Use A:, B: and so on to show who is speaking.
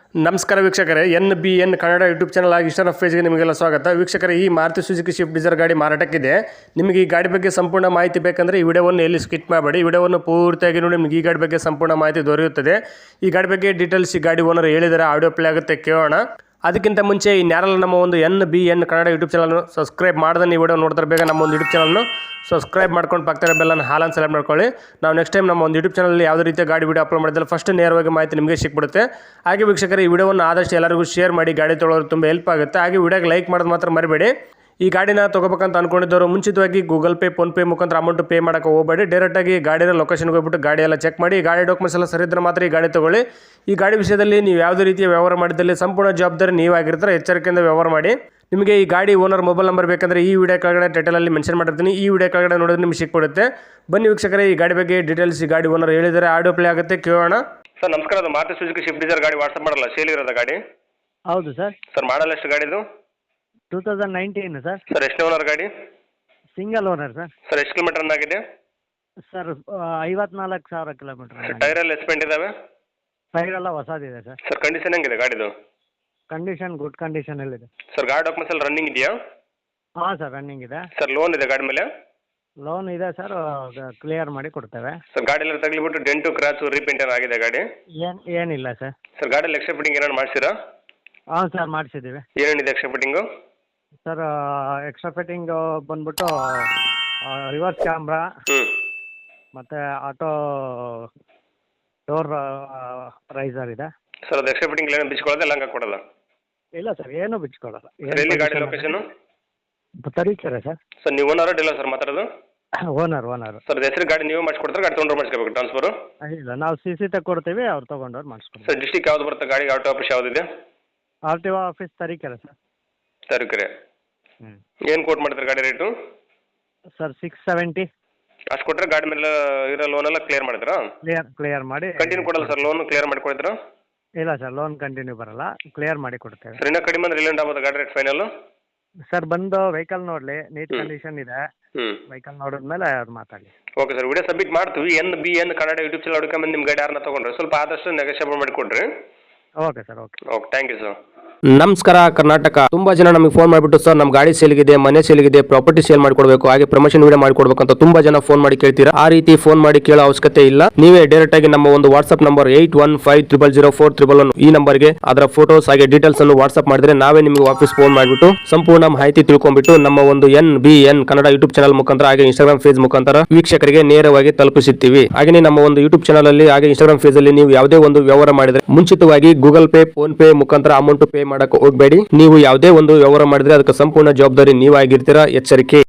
A: ನಮಸ್ಕಾರ ವೀಕ್ಷಕರೇ, NBN Kannada YouTube channel ಆಗಿ ಇಷ್ಟನ ಪೇಜ್ಗೆ ನಿಮಗೆಲ್ಲ ಸ್ವಾಗತ. ವೀಕ್ಷಕರೇ, ಈ ಮಾರುತಿ ಸುಜುಕಿ ಸ್ವಿಫ್ಟ್ ಡಿಸೈರ್ ಗಾಡಿ ಮಾರಾಟಕ್ಕಿದೆ. ನಿಮಗೆ ಈ ಗಾಡಿ ಬಗ್ಗೆ ಸಂಪೂರ್ಣ ಮಾಹಿತಿ ಬೇಕಂದರೆ ಈ ವಿಡಿಯೋವನ್ನು ಎಲ್ಲಿ ಸ್ಕಿಪ್ ಮಾಡಬೇಡಿ, ವಿಡಿಯೋವನ್ನು ಪೂರ್ತಿಯಾಗಿ ನೋಡಿ. ನಿಮಗೆ ಈ ಗಾಡಿ ಬಗ್ಗೆ ಸಂಪೂರ್ಣ ಮಾಹಿತಿ ದೊರೆಯುತ್ತದೆ. ಈ ಗಾಡಿ ಬಗ್ಗೆ ಡೀಟೇಲ್ಸ್ ಈ ಗಾಡಿ ಓನರ್ ಹೇಳಿದರೆ ಆಡಿಯೋ ಪ್ಲೇ ಆಗುತ್ತೆ, ಕೇಳೋಣ. ಅದಕ್ಕಿಂತ ಮುಂಚೆ ಇನ್ಯಾರಲ್ಲ ನಮ್ಮ ಒಂದು NBN ಕನ್ನಡ ಯೂಟ್ಯೂಬ್ ಚಾನಲ್ನ ಸಬ್ಸ್ಕ್ರೈಬ್ ಮಾಡಿದ್ರೆ ನೀವು ವಿಡಿಯೋ ನೋಡ್ತಾರೆ ಬೇಗ ನಮ್ಮ ಒಂದು ಯೂಟ್ಯೂಬ್ ಚಾನಲ್ನ ಸಬ್ಸ್ಕ್ರೈಬ್ ಮಾಡ್ಕೊಂಡು ಪಕ್ಕದ ಬೆಲ್ಲನ್ನು ಹಾಲನ್ನು ಸೆಲೆಕ್ಟ್ ಮಾಡ್ಕೊಳ್ಳಿ. ನಾವು ನೆಕ್ಸ್ಟ್ ಟೈಮ್ ನಮ್ಮ ಒಂದು ಯೂಟ್ಯೂಬ್ ಚಾನಲ್ ಯಾವುದೇ ರೀತಿಯ ಗಾಡಿ ವಿಡಿಯೋ ಅಪ್ಲೋಡ್ ಮಾಡಿದ್ರೆ ಫಸ್ಟ್ ನೇರವಾಗಿ ಮಾಹಿತಿ ನಿಮಗೆ ಸಿಕ್ಬಿಡುತ್ತೆ. ಹಾಗೆ ವೀಕ್ಷಕರೇ, ಈ ವಿಡಿಯೋವನ್ನು ಆದಷ್ಟು ಎಲ್ಲರಿಗೂ ಶೇರ್ ಮಾಡಿ, ಗಾಡಿ ತೊಗೊಳ್ಳೋರು ತುಂಬ ಹೆಲ್ಪ್ ಆಗುತ್ತೆ. ಹಾಗೆ ವಿಡಿಯೋಗೆ ಲೈಕ್ ಮಾಡೋದು ಮಾತ್ರ ಮರಿಬೇಡಿ. ಈ ಗಾಡಿನ ತೊಗೋಬೇಕಂತ ಅನ್ಕೊಂಡಿದ್ದವರು ಮುಂಚಿತವಾಗಿ ಗೂಗಲ್ ಪೇ, ಫೋನ್ಪೇ ಮುಖಾಂತರ ಅಮೌಂಟ್ ಪೇ ಮಾಡೋಕೆ ಹೋಗಬೇಡಿ. ಡೈರೆಕ್ಟಾಗಿ ಗಾಡಿನ ಲೊಕೇಶನ್ಗೆ ಹೋಗ್ಬಿಟ್ಟು ಗಾಡಿ ಎಲ್ಲ ಚೆಕ್ ಮಾಡಿ, ಗಾಡಿ ಡಾಕ್ಯುಮೆಂಟ್ಸ್ ಎಲ್ಲ ಸರಿ ಇದ್ದರೆ ಮಾತ್ರ ಈ ಗಾಡಿ ತೊಗೊಳ್ಳಿ. ಈ ಗಾಡಿ ವಿಷಯದಲ್ಲಿ ನೀವು ಯಾವುದೇ ರೀತಿಯ ವ್ಯವಹಾರ ಮಾಡಿದಲ್ಲಿ ಸಂಪೂರ್ಣ ಜವಾಬ್ದಾರಿ ನೀವಾಗಿರ್ತಾರೆ. ಎಚ್ಚರಿಕೆಯಿಂದ ವ್ಯವಹಾರ ಮಾಡಿ. ನಿಮಗೆ ಈ ಗಾಡಿ ಓನರ್ ಮೊಬೈಲ್ ನಂಬರ್ ಬೇಕಂದರೆ ಈ ವಿಡಿಯೋ ಕೆಳಗಡೆ ಟೈಟಲಲ್ಲಿ ಮೆನ್ಷನ್ ಮಾಡಿರ್ತೀನಿ. ಈ ವಿಡಿಯೋ ಕೆಳಗಡೆ ನೋಡಿದ್ರೆ ನಿಮಗೆ ಸಿಕ್ಬಿಡುತ್ತೆ. ಬನ್ನಿ ವೀಕ್ಷಕರೇ, ಈ ಗಾಡಿ ಬಗ್ಗೆ ಡೀಟೇಲ್ಸ್ ಈ ಗಾಡಿ ಓನರ್ ಹೇಳಿದರೆ ಆಡಿಯೋ ಪ್ಲೇ ಆಗುತ್ತೆ, ಕೇಳೋಣ. ಸರ್ ನಮಸ್ಕಾರ, ಅದು ಮಾರುತಿ ಸುಜುಕಿ ಸ್ವಿಫ್ಟ್ ಡಿಸೈರ್ ಗಾಡಿ ವಾಟ್ಸಪ್ ಮಾಡಲ್ಲ, ಸೇಲ್ ಇರೋದ ಗಾಡಿ?
B: ಹೌದು ಸರ್.
A: ಸರ್ ಮಾಡಲ್ಲ ಎಷ್ಟು ಗಾಡಿದು?
B: 2019 ಸರ್.
A: ಸರ್ ಎಷ್ಟು ಓನರ್ ಗಾಡಿ?
B: Single owner sir.
A: ಸರ್ ಎಷ್ಟು ಕಿಲೋಮೀಟರ್ ರನ್ ಆಗಿದೆ?
B: Sir 54,000 kilometre.
A: ಟೈರ್ ಎಲ್ಲ ಎಸ್ಪೆಂಟ್ ಇದಾವೆ?
B: ಟೈರ್ ಎಲ್ಲ ಹೊಸದಿದೆ ಸರ್.
A: ಸರ್ ಕಂಡೀಷನ್ ಹೆಂಗಿದೆ ಗಾಡಿದು?
B: ಕಂಡೀಷನ್ ಗುಡ್ ಕಂಡೀಷನಲ್ಲಿದೆ
A: ಸರ್. ಗಾಡಿ ಡಾಕ್ಯುಮೆಂಟ್ಸ್ ಎಲ್ಲ ರನ್ನಿಂಗ್ ಇದೆಯಾ?
B: ಹಾಂ ಸರ್, ರನ್ನಿಂಗ್ ಇದೆ.
A: ಸರ್ ಲೋನ್ ಇದೆ ಗಾಡಿ ಮೇಲೆ?
B: ಲೋನ್ ಇದೆ ಸರ್, ಕ್ಲಿಯರ್ ಮಾಡಿ ಕೊಡ್ತೇವೆ.
A: ಸರ್ ಗಾಡಿ ಎಲ್ಲ ತಗಲಿಬಿಟ್ಟು ಡೆಂಟು ಕ್ರಾಚು ರೀಪೇಂಟ್ ಏನು ಆಗಿದೆ ಗಾಡಿ?
B: ಏನಿಲ್ಲ ಸರ್.
A: ಸರ್ ಗಾಡಿಯಲ್ಲಿ ಎಕ್ಸ್ಟ್ರಾ ಫಿಟ್ಟಿಂಗ್ ಏನಾರು ಮಾಡಿಸಿರಾ?
B: ಹಾಂ ಸರ್, ಮಾಡಿಸಿದ್ದೀವಿ.
A: ಏನೇನಿದೆ extra fitting?
B: Sir extra fitting ಬಂದ್ಬಿಟ್ಟು ರಿವರ್ಸ್ ಕ್ಯಾಮ್ರಾ ಮತ್ತು ಆಟೋ ಡೋರ್ ರೈಸರ್ ಇದೆ.
A: ಸರ್ ಅದು ಎಕ್ಸ್ಟ್ರಾ ಫಿಟ್ಟಿಂಗ್ ಏನು ಬಿಚ್ಕೊಳ್ಳೋದು ಎಲ್ಲ ಹಂಗೆ ಕೊಡೋಲ್ಲ? ಇಲ್ಲ
B: ಸರ್, ಏನು ಬಿಚ್ಕೊಡಲ್ಲ.
A: ಎಲ್ಲಿ ಗಾಡಿ ಲೊಕೇಶನು?
B: ತರೀಕೆರೆ ಸರ್.
A: ಸರ್ ನೀವು ಓನರ್ ಅಡ್ಡಿಲ್ಲ ಸರ್ ಮಾತಾಡೋದು?
B: ಓನರ್.
A: ಸರ್ ಹೆಸರು ಗಾಡಿ ನೀವು ಮಾಡಿಸ್ಕೊಡ್ತಾರೆ, ಗಾಡಿ ತೊಗೊಂಡ್ರೆ ಮಾಡಿಸ್ಕೋಬೇಕು ಟ್ರಾನ್ಸ್ಫರು?
B: ಇಲ್ಲ, ನಾವು CC ತಗೊಡ್ತೀವಿ, ಅವ್ರು ತೊಗೊಂಡವ್ರು ಮಾಡಿಸ್ಕೊಡ್ತೀವಿ.
A: ಸರ್ ಡಿಸ್ಟಿಕ್ ಯಾವ್ದು ಬರುತ್ತೆ ಗಾಡಿ? ಆಟೋ ಆಫೀಸ್ ಯಾವುದಿದೆ?
B: RTO office Tarikere sir.
A: Tarikere. ಏನು ಕೋಟ್ ಮಾಡ್ತಾರೆ ಗಾಡಿ ರೇಟು?
B: ಸರ್ 670.
A: ಅಷ್ಟು ಕೊಟ್ಟರೆ ಗಾಡಿ ಮೇಲೆ ಇರೋ ಲೋನೆಲ್ಲ ಕ್ಲಿಯರ್ ಮಾಡಿದ್ರಾ?
B: ಕ್ಲಿಯರ್ ಮಾಡಿ.
A: ಕಂಟಿನ್ಯೂ ಕೊಡಲ್ಲ ಸರ್ ಲೋನ್? ಕ್ಲಿಯರ್ ಮಾಡಿ ಕೊಡ್ತೀರಾ?
B: ಇಲ್ಲ ಸರ್, ಲೋನ್ ಕಂಟಿನ್ಯೂ ಬರಲ್ಲ, ಕ್ಲಿಯರ್ ಮಾಡಿ ಕೊಡ್ತೇವೆ.
A: ಸರ್ ಇನ್ನೂ ಕಡಿಮೆ ಅಂದ್ರೆ ಎಲ್ಲಿಂದ ಆಗ್ಬೋದು ಗಾಡಿ ರೇಟ್ ಫೈನಲ್?
B: ಸರ್ ಬಂದು ವೆಹಿಕಲ್ ನೋಡಲಿ, ನೀಟ್ ಕಂಡೀಷನ್ ಇದೆ. ವೆಹಿಕಲ್ ನೋಡಿದ್ಮೇಲೆ ಅವ್ರು ಮಾತಾಡಿ.
A: ಓಕೆ ಸರ್, ವಿಡಿಯೋ ಸಬ್ಮಿಟ್ ಮಾಡ್ತೀವಿ. NBN ಕನ್ನಡ ಯೂಟ್ಯೂಬ್ ಚಾನಲ್ ಹುಡ್ಕೊಂಬಂದು ನಿಮ್ಮ ಗಾಡಿ ಯಾರನ್ನ ತೊಗೊಂಡ್ರೆ ಸ್ವಲ್ಪ ಆದಷ್ಟು ನೆಗೋಷಿಯೇಬಲ್ ಮಾಡಿ ಕೊಡ್ರಿ.
B: Okay sir. Okay
A: thank you sir.
C: ನಮಸ್ಕಾರ ಕರ್ನಾಟಕ. ತುಂಬಾ ಜನ ನಮಗೆ ಫೋನ್ ಮಾಡಿಬಿಟ್ಟು ಸರ್ ನಮ್ಮ ಗಾಡಿ ಸೇಲ್ಗಿದೆ, ಮನೆ ಸೇಲ್ಗಿದೆ, ಪ್ರಾಪರ್ಟಿ ಸೇಲ್ ಮಾಡ್ಕೊಡ್ಬೇಕು, ಹಾಗೆ ಪ್ರಮೋಷನ್ ವಿಡಿಯೋ ಮಾಡ್ಕೊಡ್ಬೇಕು ಅಂತ ತುಂಬಾ ಜನ ಫೋನ್ ಮಾಡಿ ಕೇಳ್ತೀರಾ. ಆ ರೀತಿ ಫೋನ್ ಮಾಡಿ ಕೇಳೋ ಅವಶ್ಯಕತೆ ಇಲ್ಲ. ನೀವೇ ಡೈರೆಕ್ಟ್ ಆಗಿ ನಮ್ಮ ಒಂದು ವಾಟ್ಸ್ಆಪ್ ನಂಬರ್ 81500411 ಈ ನಂಬರ್ಗೆ ಅದರ ಫೋಟೋಸ್ ಹಾಗೆ ಡೀಟೇಲ್ಸ್ ಅನ್ನು ವಾಟ್ಸ್ಆಪ್ ಮಾಡಿದ್ರೆ ನಾವೇ ನಿಮಗೆ ವಾಪಸ್ ಫೋನ್ ಮಾಡಿಬಿಟ್ಟು ಸಂಪೂರ್ಣ ಮಾಹಿತಿ ತಿಳ್ಕೊಂಡ್ಬಿಟ್ಟು ನಮ್ಮ ಒಂದು NBN ಕನ್ನಡ ಯೂಟ್ಯೂಬ್ ಚಾನಲ್ ಮುಖಾಂತರ ಹಾಗೆ ಇನ್ಸ್ಟಾಗ್ರಾಮ್ ಪೇಜ್ ಮುಖಾಂತರ ವೀಕ್ಷಕರಿಗೆ ನೇರವಾಗಿ ತಲುಪಿಸುತ್ತೀವಿ. ಹಾಗೆ ನಮ್ಮ ಒಂದು ಯೂಟ್ಯೂಬ್ ಚಾನಲ್ ಅಲ್ಲಿ ಹಾಗೆ ಇನ್ಸ್ಟಾಗ್ರಾಮ್ ಪೇಜ್ ಅಲ್ಲಿ ನೀವು ಯಾವುದೇ ಒಂದು ವ್ಯವಹಾರ ಮಾಡಿದ್ರೆ ಮುಂಚಿತವಾಗಿ ಗೂಗಲ್ ಪೇ, ಫೋನ್ ಪೇ ಮುಖಾಂತರ ಅಮೌಂಟ್ ಪೇ ಮಾಡಕ್ಕೆ ಹೋಗಬೇಡಿ. ನೀವು ಯಾವುದೇ ಒಂದು ವ್ಯವಹಾರ ಮಾಡಿದ್ರೆ ಅದಕ್ಕೆ ಸಂಪೂರ್ಣ ಜವಾಬ್ದಾರಿ ನೀವಾಗಿರ್ತೀರಾ. ಎಚ್ಚರಿಕೆ.